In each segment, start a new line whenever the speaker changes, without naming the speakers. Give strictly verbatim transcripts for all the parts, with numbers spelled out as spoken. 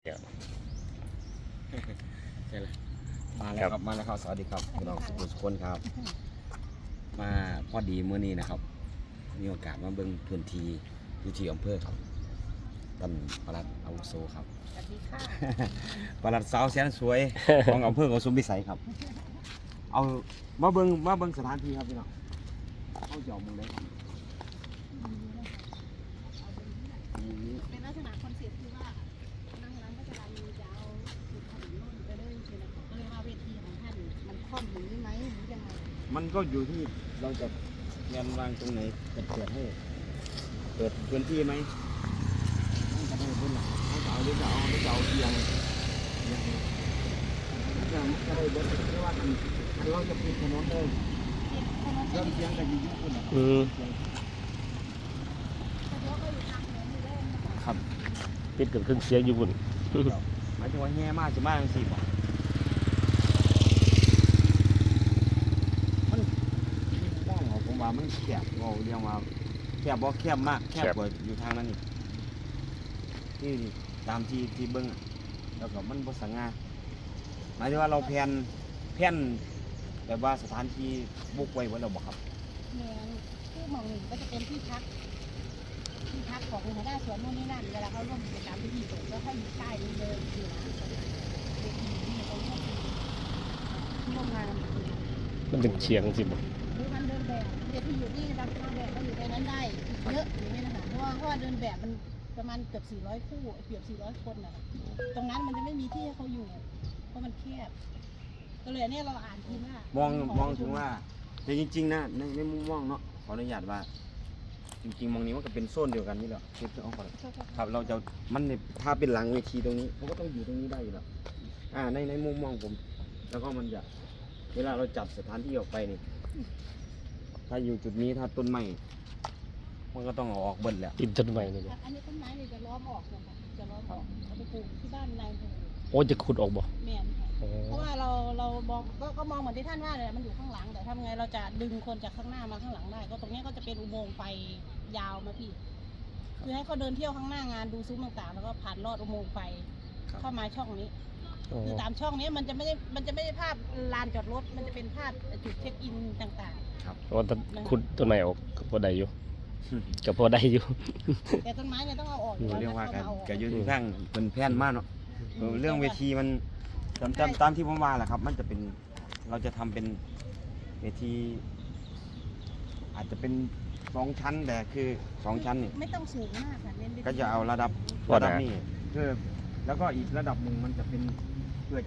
เดี๋ยว
ใช่เลยมาแล้วครับมาแล้วครับสวัสดีครับพี่น้องสุขุมสุขคนครับมาพอดีเมื่อนี้นะครับมีโอกาสมาเบิ่งพื้นที่อยู่ที่อำเภอครับท่านปลัดอาวุโสครับ
สวัสดีค่ะ
ปลัดสาวแสนสวยของอำเภอโกสุมพิสัยครับเอามาเบิ่งมาเบิ่งสถานที่ครับพี่น้องเข้าเจาะมึงได้ครับนี่
เป็นลักษณะคอนเซ็ปต์ที่ว่านั่งร้านก็จะมีจะเอาสุดถนนนู่นไปเลยใช่ไหมก็เลยว่าเวทีของท่านมันค่อมอย่างนี้ไหมหรือยังไง
มันก็อยู่ที่เราจะเรียนวางตรงไหนจะเปิดให้เปิดพื้นที่ไหมต้องจะให้พื้นหลังเขาจะเอาหรือจะเอาหรือจะเอาเตียงเนี่ยจะจะได้เบิดเพราะว่ามันมันเราจะปิดถนนเลย
ถนน
เริ่มเตียงกันอยู่ที่คนนะ
อืม
สะดวกก็อยู่ทางเหนืออยู่ได้นะคะ
ครับ
ปิดกับเครื่องเสียงอยู่บุ่น
หมายถึงว่าแง่มากจะมากจังสี่บ่มันบ้านของผมว่ามันแคบเราเรียกว่าแคบบ่แคบมากแคบกว่าอยู่ทางนั้นนี่ที่ตามที่ที่เบิ้งอะแล้วก็มันบ่สง่าหมายถึงว่าเราแผนแผนแบบว่าสถานที่บุกไว้ว่าเราบ่ครับ
เหนือที่หมองหนึ่งก็จะเป็นที่พักที่พักของหัวหน้าสวนนู่นนี่นั่นเวลาเขาร่วมกิจกรรมพิธีสงฆ์ก็ให้อยู่ใต้นี้เลยอยู่นะเวทีนี่ตรงนี้ที่ร่วมงาน
มันเป็นเชียงสิบ่
หรือมันเดินแบบเด็กที่อยู่นี่รับนางแบบก็อยู่ในนั้นได้เยอะอย่างนี้นะคะเพราะว่าเพราะว่าเดินแบบมันประมาณเกือบสี่ร้อยคู่เกือบสี่ร้อยคนน่ะตรงนั้นมันจะไม่มีที่ให้เขาอยู่เพราะมันแคบก็เลยเนี่ยเราอ่านทีว่าม
องมองถึงว่าแต่จริงๆนะในในมุมมองเนาะขออนุญาตว่า จริงๆมองนี้มันก็เป็นโซนเดียวกันนี่แหละเก็บเอาก่อนครับเราจะมันเนี่ยถ้าเป็นหลังเวทีตรงนี้เขาก็ต้องอยู่ตรงนี้ได้อยู่แล้วอ่าในในมุมมองผม แล้วก็มันจะเวลาเราจัดสถานที่ออกไปนี่ถ้าอยู่จุดนี้ถ้าต้นไม้มันก็ต้องเอาออกเบิดแหละ
ติดต้นไม้นี่บ่
อันนี้ต้นไม้เนี่ยจะล้อมออกนะคะจะล้อมออกเอาไปปลูกที่บ้านนายอำเภอ
โอ้จะขุดออกบ่
แมนค่ะ
อ๋อ
เพราะว่าเราเรามองก็ก็มองเหมือนที่ท่านว่าเลยมันอยู่ข้างหลังแต่ทำไงเราจะดึงคนจากข้างหน้ามาข้างหลังได้ ก็ตรงนี้ก็จะเป็นอุโมงค์ไฟยาวมาพี่คือให้เขาเดินเที่ยวข้างหน้างานดูซุ้มต่างๆ แล้วก็ผ่านลอดอุโมงค์ไฟเข้ามาช่องนี้
อ๋อ
คือตามช่องนี้มันจะไม่ได้มันจะไม่ได้ภาพลานจอดรถมันจะเป็นภาพจุดเช็คอินต่าง
เพราะว่าถ้าขุดต้นไม้ออกก็พอได้อยู่ก็พอได้อยู่
ๆ แต่ต้นไม้เนี่ยต้องเอาออกอยู่แล้ว
เรียกว่า
นะ
กัน
ต้องเอาออก
กับยืนข้างเป็นแผ่นมากเนาะเออเรื่องเวทีมันตามตามตามที่ผมว่าแหละครับ มันจะเป็นเราจะทำเป็นเวที อาจจะเป็นสองชั้นแต่คือสองชั้นนี่
ไม่ต้องสูงมากค่ะเน้นไปที่
ก็จะเอาระดับ
พอ
ระ
ได้
ดับนี้เพื่อแล้วก็อีกระดับหนึ่งมันจะเป็นเพื่อจะ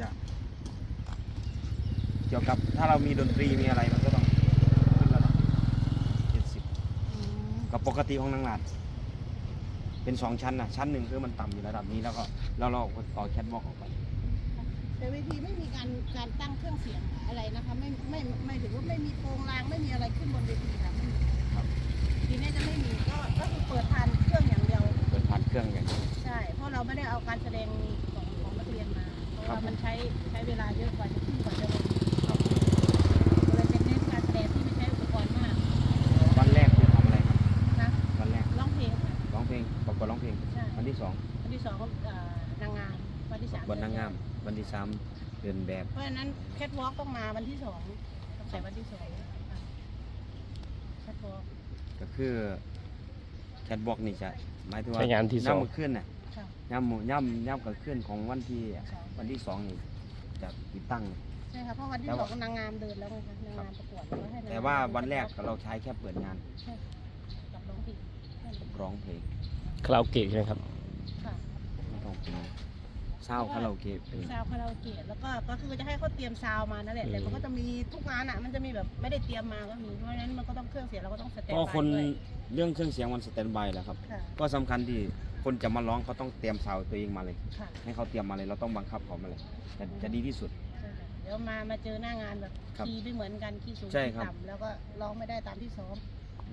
เกี่ยวกับถ้าเรามีดนตรีมีอะไรมันก็ต้องขึ้นระดับเจ็ดสิบ
อืม
กับปกติของนางหลาดเป็นสองชั้นนะชั้นหนึ่งคือมันต่ำอยู่ระดับนี้แล้วก็แล้วเราก็ต่อแคทวอล์กออกไป
แต่เวทีไม่มีการการตั้งเครื่องเสียงอะไรนะคะไม่ไม่ไม่ถือว่าไม่มีโครงรางไม่มีอะไรขึ้นบนเวทีค่ะไม่มี
ครับ
ทีนี้จะไม่มีก็ก็คือเปิดทานเครื่องอย่างเดียว
เปิดผ่านเครื่องอย่างเดียว
ใช่เพราะเราไม่ได้เอาการแสดงของของนักเรียนมาเพราะ
ครับ
ว่ามันใช้ใช้เวลาเยอะกว่าจะขึ้นกว่าจะลง
ครับ
ก็เลยเป็นเน้นการแสดงที่ไม่ใช้อุปกรณ์มาก
วันแรกคือทำอะไรครับ
นะ
วันแรก
ร้องเพลงค่ะ
ร้องเพลงประกวดร้องเพลง
ใช่
วันที่สอง
วันที่สองก็เอ่อนางงามวันที่สาม
วันนางงามวันที่สามเดินแบบ
เพราะฉะนั้นแคทวอล์กต้องมาวันที่สองต้องใส่วันที่สองแคทวอล์ก
ก็คือแคทวอล์กนี่จะหมายถึงว่า
ใช้งานที่สอง
ย่ำมือขึ้นน่ะ
ค่ะ
ย่ำหมู่ย่ำย่ำกับขึ้นของวันที่
สอง
วันที่สองนี่จะติดตั้ง
ใช่ค่ะเพราะวันที่
แต่
ส
ว่า
องนางงามเดินแล้วไงคะนางงามประกวดแล้วก็ให้นงงม
แต่ว่าวันแรกเราใช้แค่เปิดงาน
ใช่ค่ะกับร้องเพลงแค่นั้น
ร้องเพลง
คาราโอเกะใช่ไหมครับ
ค่ะ
ไม่ต้องเป็นเศร้าคาราโอเกะเป็น
ซาวคาราโอเกะแล้วก็ก็คือจะให้เขาเตรียมซาวมานั่นแหละแต่มันก็จะมีทุกงานอ่ะมันจะมีแบบไม่ได้เตรียมมาก็มีเพราะฉะนั้นมันก็ต้องเครื่องเสียงเราก็ต้องสแตน
ก็
บาย
คน
ด้วย
เรื่องเครื่องเสียงมันสแตนบายแหล้วครับ
ค่ะ
ก็สำคัญที่คนจะมาร้องเขาต้องเตรียมซาวด์ตัวเองมาเลย
ค่ะ
ให้เขาเตรียมมาเลยเราต้องบังคับเขามาเลยจะจะดีที่สุด
ใช่เดี๋ยวมามาเจอหน้างานแบบ
ครับ
คีย์ไม่เหมือนกันคีย์สูง
ใช่
คีย์
ครับ
ต่ำแล้วก็ร้องไม่ได้ตามที่ซ้อม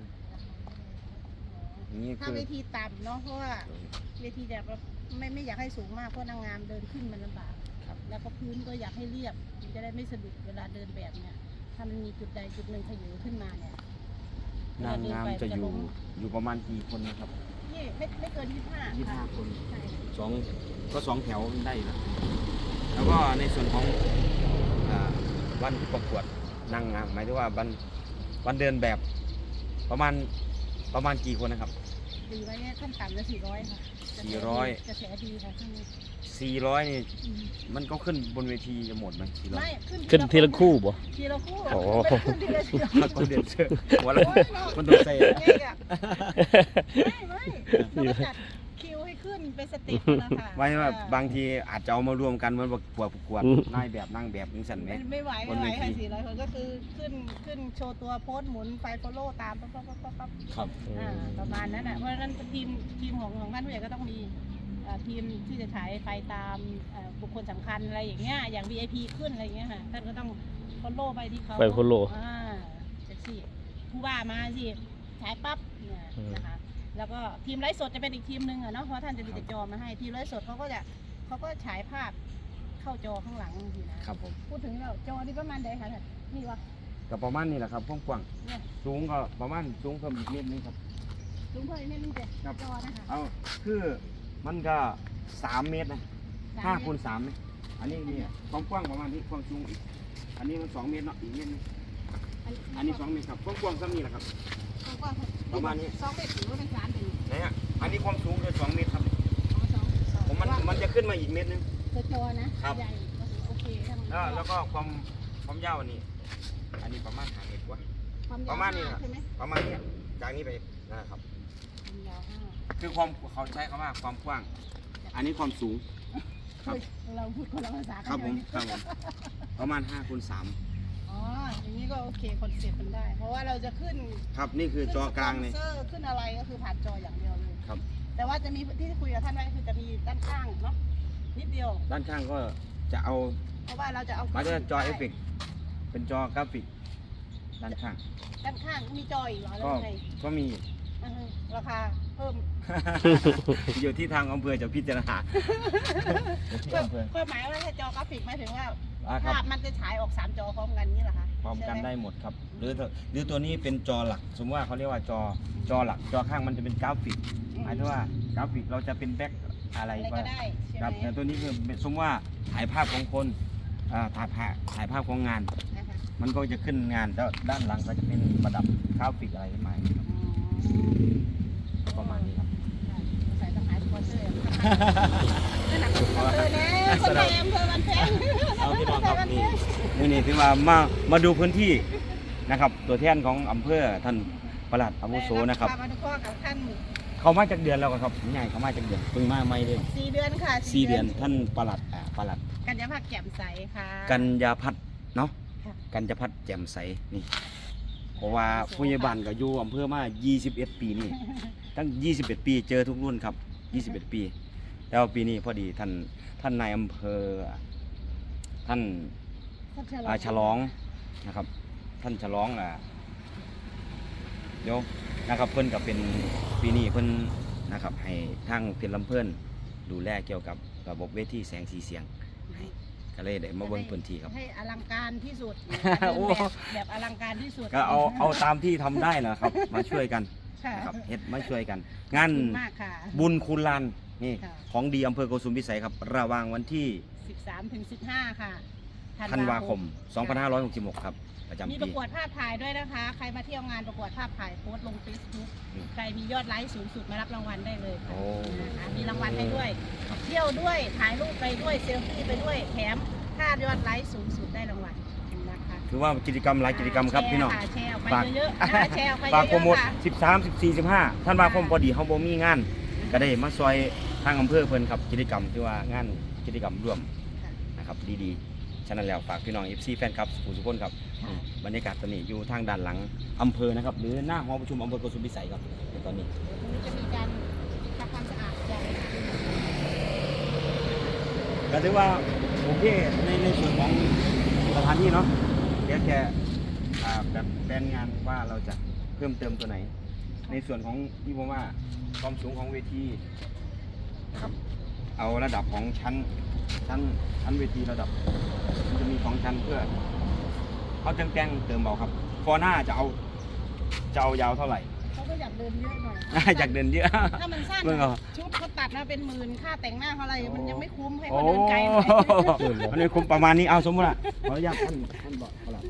อย่างนี้
ถ้า
คือ
เวทีต่ำเนาะเพราะว่าเวทีแบบไม่ไม่อยากให้สูงมากเพราะนางงามเดินขึ้นมันลำบาก
ครับ
แล้วก็พื้นก็อยากให้เรียบมันจะได้ไม่สะดุดเวลาเดินแบบเนี่ยถ้ามันมีจุดใดจุดหนึ่งขยือขึ้นมาเนี่ย
นางงามจะอยู่อยู่ประมาณกี่คนนะครับ
ยที่ไม่ไม่เกินยี่สิบห้า
ยี่สิบห้าคน
ใช่
สองก็สองแถวได้อยู่แล้วแล้วก็ในส่วนของอ่าวันที่ประกวดนางงามหมายถึงว่าวันวันเดินแบบประมาณประมาณกี่คนนะครับ
ตีไว้ขั้นต่ำจะสี่ร้อยค่ะ
สี่ร้อย
กระแสดีค่ะช่วงนี้
สี่ร้อยนี่
อืม
มันก็ขึ้นบนเวทีจะหมดไหมสี่ร้อย
ไม่ขึ้น
ขึ้นทีละคู่บ่
ทีละคู่
โอ้
ไม่ขึ้นทีละเชือก
มันต้องเดือดเชื่อหัวเราะมันต้องใส่
ไงอะไม่ไม่เราก็จัดคิวให้ขึ้นเป็นสเต็ปนะคะ
ไว้ว่า
อ่
บางทีอาจจะเอามารวมกันเหมือนประกวดประกวด
อืม
นายแบบนั่งแบบนึงสั่นไหม
ไม่ไม่ไหว
บน
ไม่ไหว
เวที
ค่ะสี่ร้อยคนก็คือขึ้นขึ้นโชว์ตัวโพสต์หมุนไฟโฟโล่ตามปั๊บปั๊บปั๊บปั๊บปั๊บ
ครับ
อ่าประมาณนั้นอ่ะเพราะฉะนั้นทีมทีมของของท่านผู้ใหญ่ก็ต้องมีอ่าทีมที่จะฉายไฟตามอ่าบุคคลสำคัญอะไรอย่างเงี้ยอย่าง วี ไอ พี ขึ้นอะไรอย่างเงี้ยค่ะท่านก็ต้องโฟโล่ไปที่เขา
ไป follow
อ่าจะสิผู้ว่ามาสิฉายปั๊บเนี่ย
อืม
นะคะแล้วก็ทีมไลฟ์สดจะเป็นอีกทีมหนึ่งอะเนาะเพราะท่านจะมีแต่จอมาให้ทีมไลฟ์สดเขาก็จะเขาก็ฉายภาพเข้าจอข้างหลังทีนะครับ
ผม
พูดถึงแล้วจอนี่ประมาณใดคะท่านนี่วะ
ก็ประมาณนี้แหละครับกว้าง
เนี่ย
ๆสูงก็ประมาณสูงเพิ่มอีกนิดนึงครับ
ลุงเพิ่นนี่นี่แต่จอนะคะ
เอาคือมันก็สามเมตรนะห้าคูณสามนะอันนี้เนี่ยความกว้างประมาณนี้ความสูงอีกอันนี้มันสองเมตรเนาะอีกเมตรนึงอันนี้สองเมตรครับความกว้างซ้ำนี่แหละครับ
กว้างๆ
ประมาณนี้
สองเมตรถือว่าเป็นสามเป็น
นะฮะอันนี้ความสูงคือสองเมตรครับ
อ๋อสองสอง
ผมมันมันจะขึ้นมาอีกเมตรนึง
ตัวจอนะครับ ใหญ่โอเคถ้ามัน
แล้วแล้วก็ความความยาวอันนี้ อันนี้ประมาณห้าเมตรกว่า
ความยาว
ประมาณนี้
ห้
นะ
ใช่ไหม
ประมาณเนี้ยจากนี้ไปนั่นแหละครับ
ความยาวห้า
คือความเขาใช้คำว่าความกว้าง อันนี้ความสูง ครับ
เราพูดคนละภาษากัน
ครับผม
อยู่
ครับผมประมาณห้าคูณสาม
อ๋ออย่างนี้ก็โอเคคอนเซ็ปต์มันได้ เพราะว่าเราจะขึ้น
ครับนี่คือจอกลางเลย
ขึ้นสปอนเซอร์ขึ้นอะไรก็คือผ่านจออย่างเดียวเลย
ครับ
แต่ว่าจะมีที่คุยกับท่านไว้คือจะมีด้านข้างเนาะนิดเดียว
ด้านข้างก็จะเอา
เพราะว่าเราจะเอา
หมายถึงจอเอฟเฟกต์เป็นจอกราฟิก ด้านข้าง
ด้านข้างมีจออีกเหรอแล้ว
ก็
ยังไง
ก็มี
อ่าฮะราคาเพิ่ม
อยู่ที่ทางอำเภอจะพิจารณาอยู่ที่อำเภอ
ก็หมายว่าถ้าจอกราฟิกหมายถึงว่า
อ่าครับ
ภาพมันจะฉายออกสามจอพร้อมกันนี่เหรอคะ
พร้อมกัน
ใช่ห
ได้หมดครับ หรือหรือตัวนี้เป็นจอหลัก สมมติว่าเขาเรียกว่าจอจอหลัก จอข้างมันจะเป็นกราฟิก หมายถึงว่ากราฟิกเราจะเป็นแบ็คอะไร
อะไร
ก็
ก็ได้ใช่
ครับ
ไหม
แต่ตัวนี้คือสมมติว่าถ่ายภาพของคนอ่าถ่ายภาพถ่ายภาพของงาน
นะคะ
มันก็จะขึ้นงานแล้วด้านหลังก็จะเป็นประดับกราฟิกอะไรขึ้นมาครับ
อ๋อ
ประมาณนี้ครับ
ใส่ต้องหาสปอนเซอร์นั่นหนักสปอนเซอร์แน่คนในอำเภอมันแพง
เอาพี่น้องครับนี่นี่นี่ถือว่ามามาดูพื้นที่นะครับ ตัวแทนของอำเภอท่านปลัดอาวุโสนะครับ
มาดูข้อกับท่าน
เขามาจากเดือนแล้วครับใหญ่เขามาจากเดือนเพิ่งมาไม่เลย
สี่เดือนค่ะ
สี่เดือนท่านปลัดอ่าปลัด
กัญญาภาคแจ่มใสค่ะ
กัญญาพัฒน์เนาะ
ค่ะ
กัญญาพัฒน์แจ่มใสนี่เพราะว่าผู้ใหญ่บ้านก็อยู่อำเภอมายี่สิบเอ็ดปีนี่ตั้งยี่สิบเอ็ดปีเจอทุกรุ่นครับยี่สิบเอ็ดปีแต่ว่าปีนี้พอดีท่านท่านนายอำเภอท่าน
ท่าน
อ่าฉลองนะครับ ท่านฉลองอ่าเดี๋ยวนะครับเพิ่นกับเป็นปีนี้เพิ่นนะครับให้ทางเพียรลำเพิ่นดูแลเกี่ยวกับระบบเวทีแสงสีเสียงให้ก็เลยได้มาเบิ่งพื้นที่ครับ
ให้อลังการที่สุด
โอ้
แบบแบบอลังการที่สุด
ก็เอาเอาตามที่ทำได้นะครับ มาช่วยกัน
ค่ะ
นะครับเฮ็ดมาช่วยกัน งาน
ขอบคุณมากค่ะ
บุญคุณลานนี่
ค่ะ
ของดีอำเภอโกสุมพิสัยครับระหว่างวันที่
สิบสามถึงสิบห้าค่ะ
ธันวาคมสองพันห้าร้อยหกสิบหกครับประจำ
มีป
ปี
ระกวดภาพถ่ายด้วยนะคะ ใครมาเที่ยวงานประกวดภาพถ่ายโพสต์ลง Facebook
อืม
ใครมียอดไลค์สูงสุดมารับรางวัลได้เลยค่ะ
โอ้
นะคะมีรางวัลให้ด้วย เที่ยวด้วยถ่ายรูปไปด้วยเซลฟี่ไปด้วยแถมถ้ายอดไลค์สูงสุดได้รางวัลนะคะ
ถือว่ากิจกรรมหลายกิจกรรมครับพี่น้อง
แชร์ค่ะแชร์ออกไป
ฝาก
เยอะๆนะคะแชร์ออกไปเย
ฝากโปร
อะ
โมท
ๆค่ะ
สิบสาม สิบสี่ สิบห้าท่านว่าคมพอดีเฮาบ่มีงาน ก็ได้มาซอยทางอำเภอเพิ่นครับกิจกรรมที่ว่างานกิจกรรมร่วม
ค่ะ
นะครับดีๆฉะนั้นแล้วฝากพี่น้อง เอฟ ซี แฟนคลับสุขุมทุกคนครับ
ค่ะ
บรรยากาศตอนนี้อยู่ทางด้านหลังอำเภอนะครับหรือหน้าหอประชุมอำเภอโกสุมพิสัยครับในตอนนี้
ตรงนี้จะมีการทำความสะอาดอย่าง
ก็ถือว่าโอเคในในส่วนของสถานที่เนาะเดี๋ยวแกอ่าแบบแผนงานว่าเราจะเพิ่มเติมตัวไหน ในส่วนของที่ผมว่าความสูงของเวทีนะครับเอาระดับของชั้นชั้นชั้นเวทีระดับมันจะมีสองชั้นเพื่อเขาจังแกงเติมเบาครับฟอร์หน้าจะเอาจะเอายาวเท่าไหร่
เขาก็อยากเดินเยอะหน่อย
อยากเดินเยอะ
ถ้ามันสั้น
เบิ่งเอา
ชุดเขาตัดมาเป็นหมื่นค่าแต่งหน้าเขาอะไรมันยังไม่คุ้มให้
โอ้
เขาเดินไกลหน่อย
มันไม่คุ้มประมาณนี้เอาสมมติอ่ะขออนุญาตท่านท่านบอกเขาละ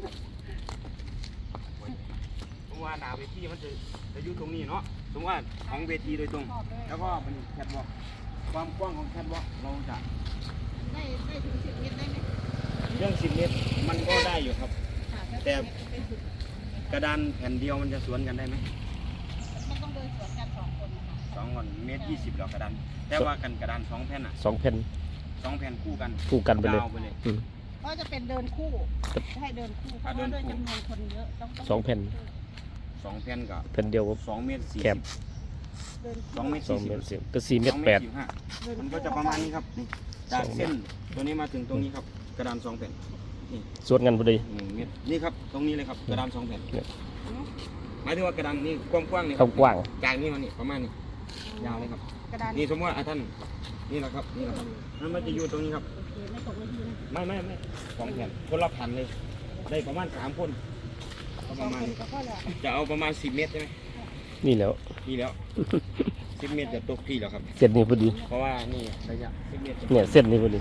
สมมติว่าหน้าเวทีมันจะจะอยู่ตรงนี้เนาะสมมติว่าของเวทีโดยตรง
ชอบเลย
แล้วก็เป็นแคทวอล์กความกว้างของแคทวอล์กเราจะ
ได้ได้ถึงสิบเมตรได้ไหม
เรื่องสิบเมตรมันก็ได้อยู่ครับ
ค่ะ
แต่
เป็นสุด
กระดานแผ่นเดียวมันจะสวนกันได้ไหม
มันต้องเดินสวนกันสองคนนะคะ
สองคนเมตรยี่สิบหรอกกระดานแต่ว่ากันกระดานสองแผ่นอ่ะ
สองแผ่น
สองแผ่นคู่กัน
คู่กันไปเลย
ยาวไปเลย
อืม
ก็จะเป็นเดินคู่ให้เดินคู่เพราะว่าด้วยจำนวนคนเยอะต้องต้
สองแผ่น
สองแผ่นกับ
แผ่นเดียว
สองเมตรสี่
แค
สิ
บ
บ
เดิน
สองเมตร
สองเมตรสิบก็สี่เมตรแปด
สองเมตรสิบห้ามันก็จะประมาณนี้ครับนี่จาก
สองเมตร
เส้นตัวนี้มาถึงตรงนี้ครับกระดานสองแผ่นนี่
สวนกันพอดี
หนึ่งเมตรนี่ครับตรงนี้เลยครับกระดานสองแผ่น
เนี่ย
หมายถึงว่ากระดานนี่กว้างๆนี่ค
ค
รั
วามกว้าง
จากนี้มานี่ประมาณนี้ยาวเลยครับ
กระดาน
นี่สมมติว่าอ่ะท่านนี่แหละครับนี่แหละครับนั่นมันจะอยู่ตรงนี้ครับ
โอเคไม่ตกไม่ทีนะ
ไม่ไม่ไม่สองแผ่นคนละแผ่นเลย ได้ประมาณสามคนก็
ส
ป
อง
ระมาณ
คนก็พอแล้ว
จะเอาประมาณสิบเมตรใช่ไหม
นี่แล้ว
นี่แล้ว สิบเมตรจะตกที่แล้วครับ
เส้นนี้พอดี
เพราะว่านี่ระยะสิบเมตรจะ
เนี่ยเส้นนี้พอดี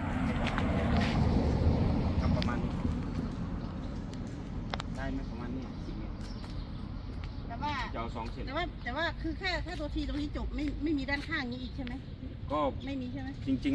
ครับประมาณนี้ได้ไหมประมาณนี้สิบเมตร
แต่ว่า
จะเอาสองเส้น
แต่ว่าแต่ว่าคือแค่แค่ตัวทีตรงนี้จบไม่ไม่มีด้านข้างนี้อีกใช่ไหม
ก็
ไม่มีใช่ไหม
จริง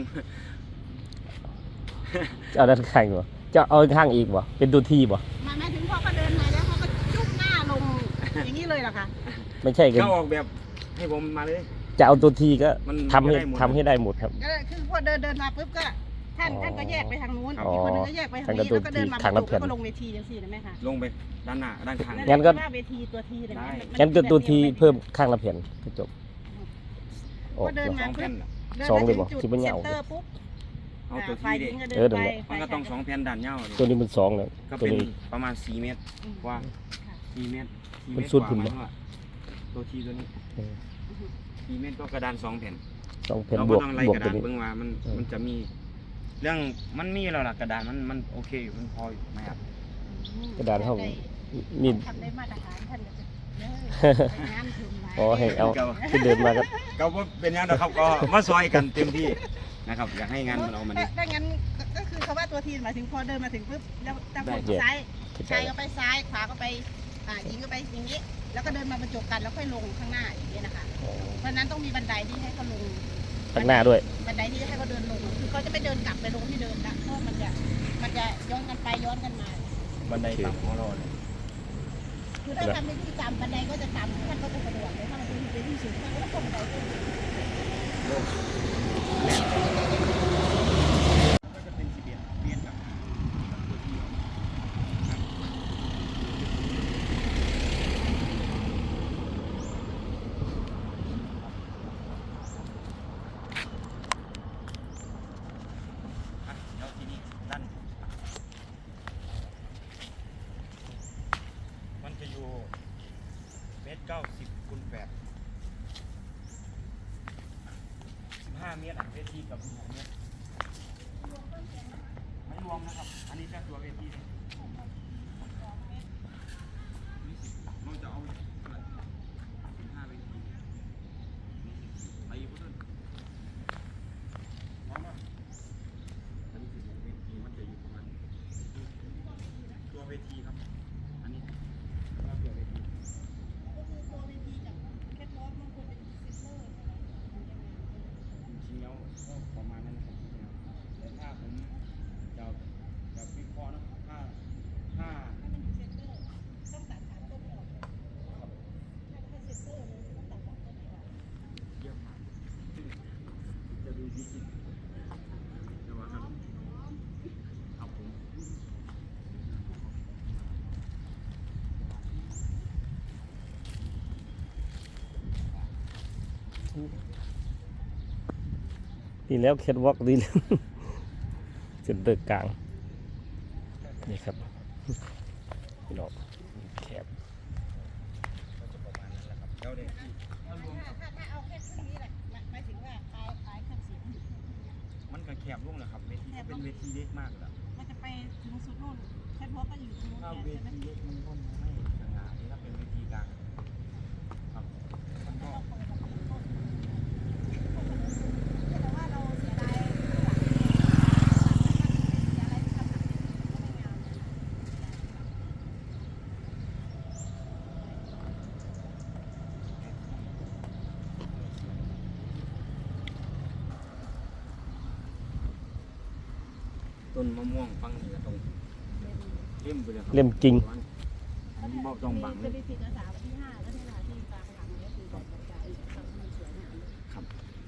จะเอาด้านข้างบ่จะเอาข้างอีกบ่เป็นตัวทีบ่
หมายหมายถึงพอเขาเดินมาแล้วเขาก็จุกหน้าลงอย่างนี้เลยเหรอคะ
ไม่ใช่
ๆ
กัน
เขาออกแบบให้ผมมาเลย
จะเอาตัวทีก็
มัน
ทำให้
ได้หมด
ทำให้ได้หมดครับ
ก็คือพอเดินเดินมาปุ๊บก็ท่าน
อ๋อ
ท่านก็แยกไปทางนู้น
อ๋อ
อีกคนนึงก็แยกไปทางนี้
ท่านก็
แล้วก็เดินมา
ทาง
ป
ละ
ระ
แผ่
ตู
น
ก็ลงเวทีจังสี่นะแม่ค่ะ
ลงไปด้านหน้าด้านข้าง
งั้นก็
ว่าเวทีตัวทีเลย
ได้
มั
งั้นตัวตัวที
แบบดียว
เพิ่มข้างละแผ่นก็จบออก
ก็เดิน
ส
มา
อง
ปุ๊
แผ่
บ
นน่ะ
เดิน
สอง
มา
เลย
ถึ
บ่
งจุด
ที่มัน
เซ็
ยาน ว
เตอร์ปุ๊บ
เอาตัว
ฝ่า
ที่
ยห
เด็
ญิ
ก
งก็เดิน
เออนั่น
ไป
แหละ
มันก็ต้องสองแผ่นด้านยาว
ตัวนี้มันสองแล้ว
ก็
ตัว
เป็น
นี้
ประมาณสี่เมตร
อืม
กว่า
ค่ะ
สี่เมตรสี่
มัน
เมตร
สุด
กว่า
หุ่น
ห
บ่
มายถึงว่าตัวทีตัวนี้
เออ
สี่เมตรก็กระดานสองแผ่น
สองแผ่น
เรา
บ
ก็
วก
ต้องไล่
บวก
กระ
ตั
ดา
วน นี้
เบิ่งว่ามัน
เออ
มันจะมี เรื่องมันมีแล้วล่ะกระดานมันมันโอเคอยู่มันพออยู่ไหมครับ
กระดานเท่ามี
ทำได้มาตรฐานท่านก็จะเด้อไปงานถึงไหน
อ๋อให้เอาที่เดินมาก็
ก็บ่เป็นอย่างนะครับก็มาซอยกันเต็มที่นะครับอยากให้งานมันเอามาดี
ถ้างั้นก็คือคำว่าตัวทีหมายถึงพอเดินมาถึงปุ๊บแล้วตั้ง
ได้
คนซ้าย
เข้าใจ
ชายก็ไปซ้ายขวาก็ไปอ่าหญิงก็ไปอย่างนี้ แล้วก็เดินมาบรรจบกันแล้วค่อยลงข้างหน้าอย่างนี้นะคะ เพราะฉะนั้นต้องมีบันไดที่ให้เขาลง
ข้างหน้าด้วย
บันไดที่ให้เขาเดินลง คือเขาจะไม่เดินกลับไปลงที่เดิมละเพราะมันจะมันจะย้อนกันไปย้อนกันมา
บันไดต่ำของเราเลย
คือถ้าทำเป็นที่ต่ำบันไดก็จะต่ำท่านก็จะสะดวกเลยถ้ามันเป็นที่สูงท่านก็ต้องบันไดขึ้น
ก็จะเป็นสิบเอ็ดเมตรกับตัวทีอ่ะแล้วทีนี้ด้านมันจะอยู่เมตรเก้าสิบคูณแปดสิบห้าเมตรอ่ะเวทีกับสิบหกเมตรไม่รวมนะครับ อันนี้แค่ตัวเวทีนะมันจะเอาสิบห้าเวทีไปอีกพุ่นพร้อมป่ะอันนี้สิบหกเวทีมันจะอยู่ประมาณตัวเวทีครับ อันนี้ว่าตัวเวที
ก็คือตัวเวทีกับแคทวอล์กมันควรเป็นเซ็นเตอร์
จริงๆแล้วก็ประมาณนั้นนะครับจริงๆแล้วแต่ถ้าผมจะจะวิเคราะห์นะถ้าถ้า
ถ้ามันอยู่เซ็นเตอร์ต้องตัดสามต้นออกถ้าถ้าเซ็นเตอร์เลยต้องตัดสามต้นออก
เยี่ยมมากจะดูดีจริงแต่ว่าครับเอาผม
ดีแล้วแคทวอล์กดีแล้ว เซ็นเตอร์กลางนี่ครับพี่น้องแคบ
ก็จะประมาณนั้นแหละครับแล้วเด็กที่ถ้ารวม
ถ้าถ้าถ้าเอาแค่ครึ่งนี้แหละหมายหมายถึงว่าคลายคลายเครื่องเสียงอยู่
มันก็แคบลงแหละครับเวทีก็เป็นเวทีเล็กมากเลยล่ะ
มันจะไปถึงสุดนู่นแคทวอล์กก็อยู่ตรงนู้น
ถ้า
แทน
เว
ใช่ไหม
ทีเล็กมันก็ไม่สง่านี่ถ้าเป็นเวทีกลาง
อแต่ว่าเราเสียดายอะไรที่ทำก็ไม่งาม
ต้นมะม่วงฟังนี่ก็ต้องเล่มไปเลยครับ
เล่มกิ่ง
มันบ่ต้องบังเล
จะ
ย
ไปติดอาสาวันที่ห้าแล้วที่ลาที่กลางหลังเนี่ยคือแบบกระจายทำให้มันสวยงามเลย
ครับ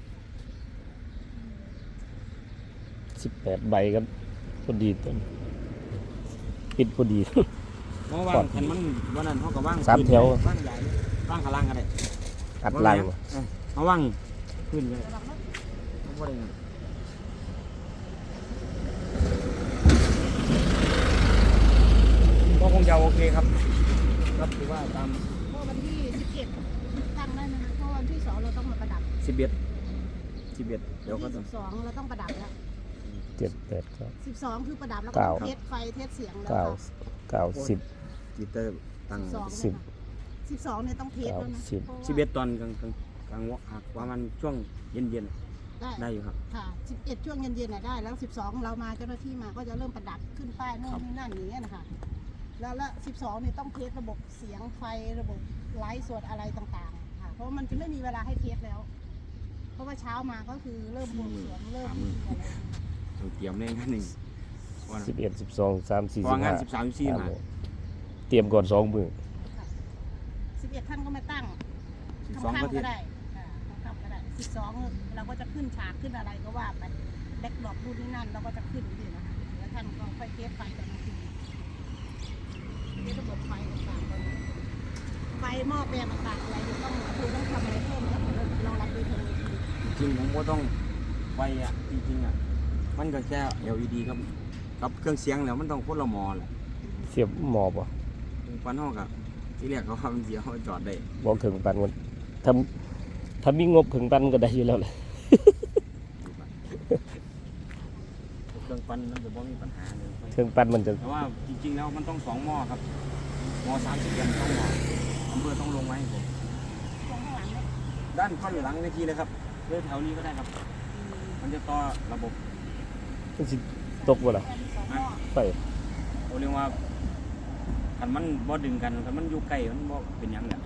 สิบแปดใบครับพอดีต้นปิดพอดี
เพราะว่างคันมันวันนั้นเขาก็ว่าง
สามแถว
ว่างใหญ่เลยว่างข้างล่างก็ได้
อัดลัง
เออเขาว่างขึ้นเลย
ระวังรถ
เขาบ่ได้เงินก็คงจะโอเคครับครับถือว่าตาม
เพราะวันที่สิบเอ็ดตั้งได้ไหมคะเพราะวันที่สองเราต้องมาประดับ
สิบเอ็ดสิบเอ็ดเดี๋ยวก็
วัน
ต้อ
ที่
ง
สิบสองเราต้องประดับแล้ว
เจ็ดแปดเก้า
สิบสองคือประดับแล้วก็
เก้า
เทสไฟเทสเสียงแล้ว
เก้า
ค่ะ
เก้าสิบ
กีเตอร์ตั้ง
สอง
สิบ
สิบสองเนี่ยต้องเทสแล้วนะ
สิบ
พราะว่า
สิบเอ็ดตอนกลางกลางกลางวะหักว่ามันช่วงเย็นเย็น
ได้
ๆได้อยู่ครับ
ค่ะสิบเอ็ดช่วงเย็นๆน่ะได้แล้วสิบสองเรามาเจ้าหน้าที่มาก็จะเริ่มประดับขึ้นป้ายโน่นนี่นั่นอย่างเงี้ยนะคะแล้วละสิบสองเนี่ยต้องเทสระบบเสียงไฟระบบไลฟ์สดอะไรต่างๆค่ะเพราะว่ามันจะไม่มีเวลาให้เทสแล้ว เพราะว่าเช้ามาก็คือเริ่มบวงสรวงเริ่มพิธีอะไร
ต้องเตรียมในงานหนึ่งวัน
สิบเอ็ดสิบสองสามสี่
พ
สิ
อบ งาน
ห้า
สิบสามสิบสี่มา
เตรียมก่อนสองมือ
สิบเอ็ดท่านก็มาตั้ง
สิบสอง
ค่ำ
ก็
ๆ
เที
ก็
ยบ
ได้ค่ะค่ำๆก็ได้สิบสองเราก็จะขึ้นฉากขึ้นอะไรก็ว่าไปแบ็คดรอปรุ่นนี้นั่นเราก็จะขึ้นที่นะคะแล้วท่านก็ค่อยเทสไฟตอนกลางคืนนี่ระบบไฟต่างๆตอนนี้ไฟหม้อแปลงต่างๆอะไรเดี๋ยวต้องคือต้องทำอะไรเพิ่มแล้วรองรับโดยทางเวที
จริงผมก็ต้องไฟอ่ะจริงๆอ่ะมันก็แค่ แอล อี ดี ครับกับเครื่องเสียงแล้วมันต้องคนละหมอแหละ
เสียบหมอบอ่ะ
ปันห้องกับที่แรกเขาทำเสียเขาจอดได้
บอกถึงปันวันทำถ้ามีงบถึงปันก็ได้อยู่แล้วแหละ
เครื่องปั้นมันจะบ่มีปัญหาเลย
เครื่องปันมันจะ
แต่ว่าจริงๆแล้วมันต้องสองหม้อครับหม้อสามสิบยันต้องหม้ออำเภอต้องลงไว้ให้ผม
ตรงข้างหลังเนี่ย
ด้านข้างหลังในทีเลยครับเลือแถวนี้ก็ได้ครับ มันจะต่อระบบ
มันสิตกบ่ล่ะ
แปลงสองหม้อ
ไฟ
เขาเรียกว่าคันมันบ่ดึงกันคันมันอยู่ใกล้มันบ่เป็นหยังแหละ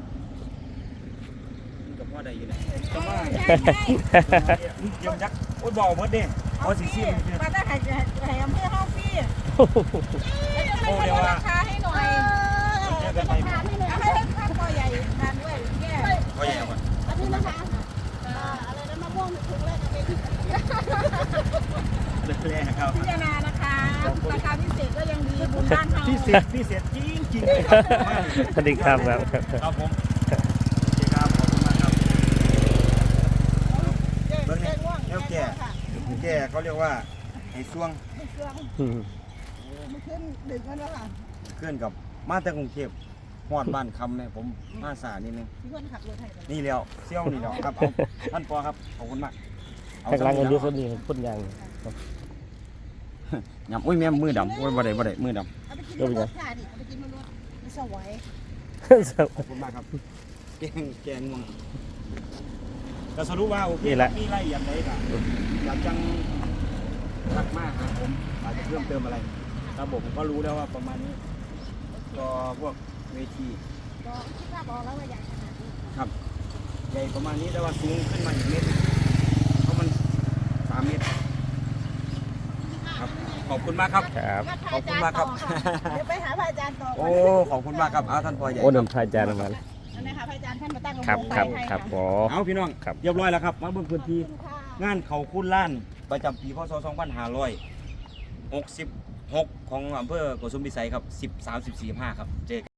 มันก็พอได้อยู่แหละแต่ว่าเยี่ยมยักษ์โอ้ยบอกหมดเด้เอาสิซิม
มาได้ให้ให้อำเภอห้องพี่
โอ้เรียกว่า
ราคาให้หน่อยราคาให้หน่อยให้ข้าวตัวใหญ่ทานด้วยแย่
ก็ใหญ่กว่า
อันนี้นะคะอะไรนะมะม่วงถุงแรกเอาไปที่
เรื่อยๆครับ
พิจารณานะคะราคาพิเศษก็ยังดีบุญบ้านเฮา
พิเศษพิเศษจริงจริงๆเลยครับ
สวัสดีครับครับ
ครับผมโอเคครับขอบคุณมากครับ
เบิ่งนี่เดี๋ยวแก่
แกเขาเรียกว่าไอ้ช่วง
อืม
มันขึ้นดึกแล้วล่ะ
เคลื่อนกับมาแต่กรุงเทพฮอดบ้านคำเนี่ยผมมาสายนิดนึง
พี่คนขับรถไทย
นี่แล้วเซี่ยวนี่แล้วครับเอาท่านปอครับขอบคุณมากเอา
ข้างหล่างกัน
สำ
เย
นี
อะคนนี้พ่นยาง
ยำอุ้ยแม่มือดำโอ้ยบ่ได้บ่ได้มือด
เอาไปกินรถค่ะนี่เอาไปกินรถมันสวย
ำขอบคุณมากครับแกงแกงม่วงก็สรุปว่าโอเค
นี่แหละ
มีรายละเอียดใดก็อยากจังทักมาหาผมอาจจะเพิ่มเติมอะไรระบบผมก็รู้แล้วว่าประมาณนี้ก็พวกเวที
ก็คิดว่าบอกแล้วว่าอยากขนาดนี้
ครับใหญ่ประมาณนี้แต่ว่าสูงขึ้นมาอีกเมตรเพราะมันสามเมตรครับขอบคุณมากครับ
ครับ
ขอบคุณมากครับ
เดี๋ยวไปหาพระอาจารย์ต่อ
โอ้ขอบคุณมากครับเอาท่านปอใหญ่
โอ้นำพายจานมาแล้ว
อันนี้ค่ะพระอาจารย์ท่านมาตั้ง
ครับ
โง
ครับ
ไฟให้
ครับ
ะ
อ๋อ
เอาพี่น้อง
ครับ
เรียบร้อยแล้วครับมาเบิ่งพื้นที่
ขอบคุณค่ะ
งานเขาคุ้นล้านประจำปีพศสองพันห้าร้อยหกสิบหกของอำเภอโกสุมพิสัยครับสิบ สามสิบ สี่ ห้าครับเจอกัน